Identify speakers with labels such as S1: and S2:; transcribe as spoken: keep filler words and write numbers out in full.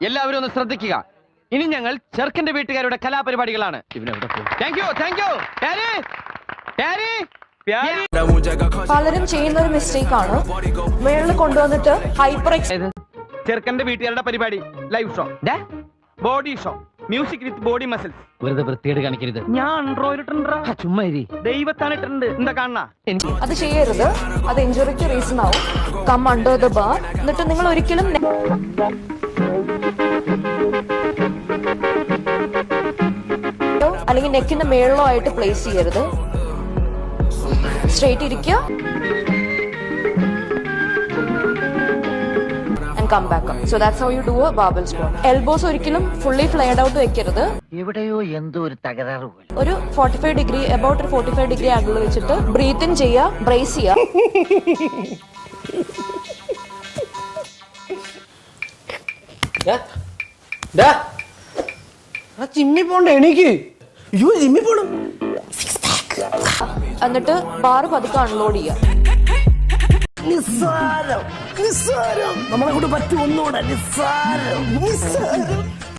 S1: എല്ലാവരും ഒന്ന് ശ്രദ്ധിക്കുക. ഇനി ഞങ്ങൾ ചെറുക്കന്റെ വീട്ടുകാരുടെ കലാപരിപാടികളാണ്. Thank you thank you.
S2: പലരും ചെയ്യുന്ന ഒരു മിസ്റ്റേക്ക് ആണ് മേളിൽ കൊണ്ടുവന്നിട്ട് ഹൈപ്പർ
S1: ചെറുക്കന്റെ വീട്ടുകാരുടെ പരിപാടി live show, body show, music with body muscles. വെറുതെ വൃത്തിയേട് കാണിക്കരുത്. ഞാൻ ചുമ്മാ ദൈവത്താണ് ഇട്ടിട്ടുണ്ട്. എന്താ കാണാ?
S2: അത് ചെയ്യരുത്. അത് ഇഞ്ചുറിക്ക് റീസൺ ആവും. Come under the bar. എന്നിട്ട് നിങ്ങൾ ഒരിക്കലും അല്ലെങ്കിൽ നെക്കിന്റെ മേളിലോ ആയിട്ട് പ്ലേസ് ചെയ്യരുത്. സ്ട്രെയിറ്റ് ഇരിക്കുക. Come back up. So that's how you do a barbell squat. Elbows ഒരിക്കലും fully flared out വെക്കരുത്.
S3: എവിടെയോ എന്തോ ഒരു തകരാറ് പോലെ.
S2: ഒരു forty-five degree about ഒരു forty-five degree angle വെച്ചിട്ട് ബ്രീത്ത് ഇൻ ചെയ്യുക, ബ്രേസ് ചെയ്യുക.
S4: ജിമ്മി പോണ്ട എനിക്ക്. അയ്യോ ജിമ്മി പോണം.
S2: എന്നിട്ട് ബാർ പതുക്കെ അൺലോഡ് ചെയ്യുക.
S4: നിസ്സാരം നിസ്സാരം നമ്മളെ കൊണ്ട് പറ്റും ഒന്നുകൂടെ. നിസ്സാരം നിസ്സാരം